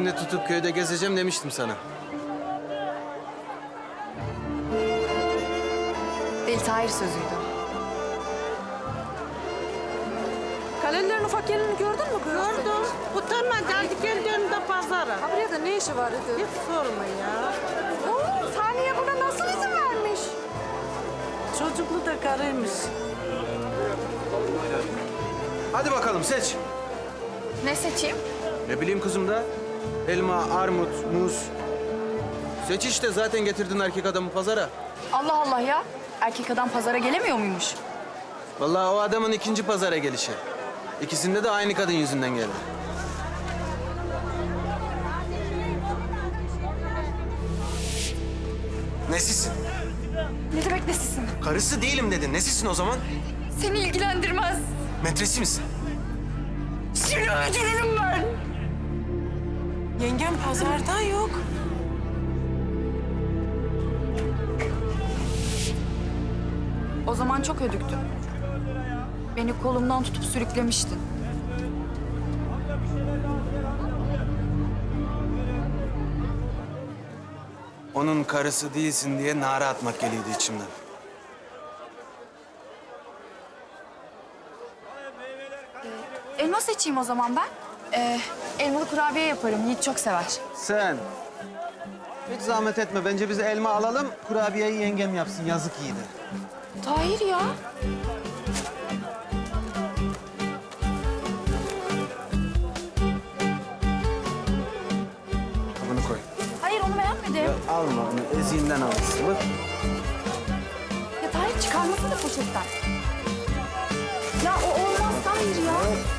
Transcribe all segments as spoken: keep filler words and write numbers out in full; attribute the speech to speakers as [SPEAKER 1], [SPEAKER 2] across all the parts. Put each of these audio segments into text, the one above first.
[SPEAKER 1] elini tutup köyde gezeceğim demiştim sana.
[SPEAKER 2] Deli Tahir sözüydü.
[SPEAKER 3] Kalelilerin ufak yerini gördün mü kız?
[SPEAKER 4] Gördüm. Utanma geldik kendi önünde pazara.
[SPEAKER 3] Ha buraya da ne işi var dedi.
[SPEAKER 4] Hiç sorma ya.
[SPEAKER 3] Oo, Saniye buna nasıl izin vermiş?
[SPEAKER 4] Çocuklu da karıymış.
[SPEAKER 1] Hadi bakalım seç.
[SPEAKER 2] Ne seçeyim?
[SPEAKER 1] Ne bileyim kızım da. Elma, armut, muz. Seç işte, zaten getirdin erkek adamı pazara.
[SPEAKER 2] Allah Allah ya. Erkek adam pazara gelemiyor muymuş?
[SPEAKER 1] Vallahi o adamın ikinci pazara gelişi. İkisinde de aynı kadın yüzünden geldi. Nesisin?
[SPEAKER 2] Ne demek nesisin?
[SPEAKER 1] Karısı değilim dedin. Nesisin o zaman?
[SPEAKER 2] Seni ilgilendirmez.
[SPEAKER 1] Metresi misin?
[SPEAKER 2] Seni öldürürüm ben.
[SPEAKER 4] Yengem pazarda yok.
[SPEAKER 2] O zaman çok ödüktün. Beni kolumdan tutup sürüklemiştin.
[SPEAKER 1] Onun karısı değilsin diye nara atmak geliyordu içimden.
[SPEAKER 2] Elma seçeyim o zaman ben. Ee, elmalı kurabiye yaparım. Yiğit çok sever.
[SPEAKER 1] Sen hiç zahmet etme. Bence biz elma alalım, kurabiyeyi yengem yapsın. Yazık iyiydi.
[SPEAKER 2] Tahir ya.
[SPEAKER 1] Bunu koy.
[SPEAKER 2] Hayır onu beğenmedim.
[SPEAKER 1] Ya alma bunu, eziğinden alırsın. Bak.
[SPEAKER 2] Ya Tahir çıkarmasana poşetten. Ya o olmaz Tahir ya.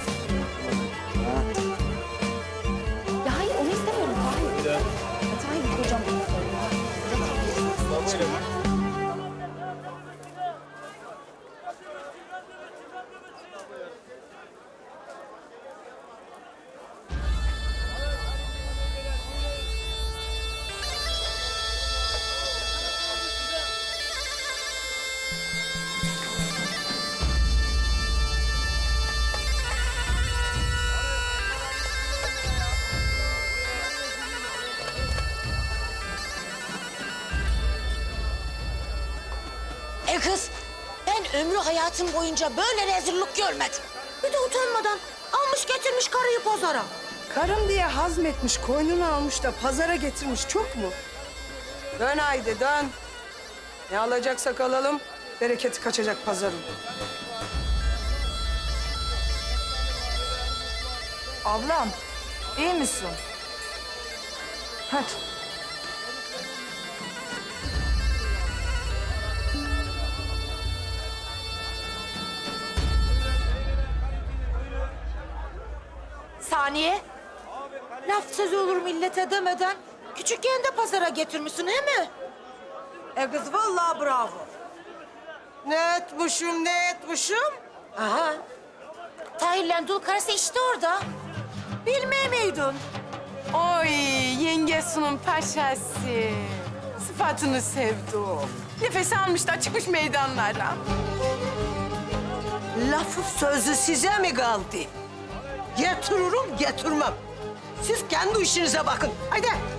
[SPEAKER 2] Ya hayır onu istemiyorum Tahir. Ya Tahir kocam.
[SPEAKER 5] E kız, ben ömrü hayatım boyunca böyle rezillik görmedim. Bir de utanmadan almış getirmiş karıyı pazara.
[SPEAKER 4] Karım diye hazmetmiş, koynunu almış da pazara getirmiş. Çok mu? Dön haydi dön. Ne alacaksak alalım. Bereketi kaçacak pazarın.
[SPEAKER 2] Ablam iyi misin? Hadi.
[SPEAKER 5] Saniye, laf sözü olur millete demeden küçükken de pazara getirmişsin he mi?
[SPEAKER 4] E kız vallahi bravo. Ne etmişim, ne etmişim?
[SPEAKER 5] Aha, Tahir'le dul karısı işte orada. Bilmeye miydin?
[SPEAKER 6] Oy yengesunun paşası. Sıfatını sevdim. Nefes almış da çıkmış meydanlara.
[SPEAKER 4] Lafı sözü size mi kaldı? Getiririm, getirmem. Siz kendi işinize bakın. Haydi.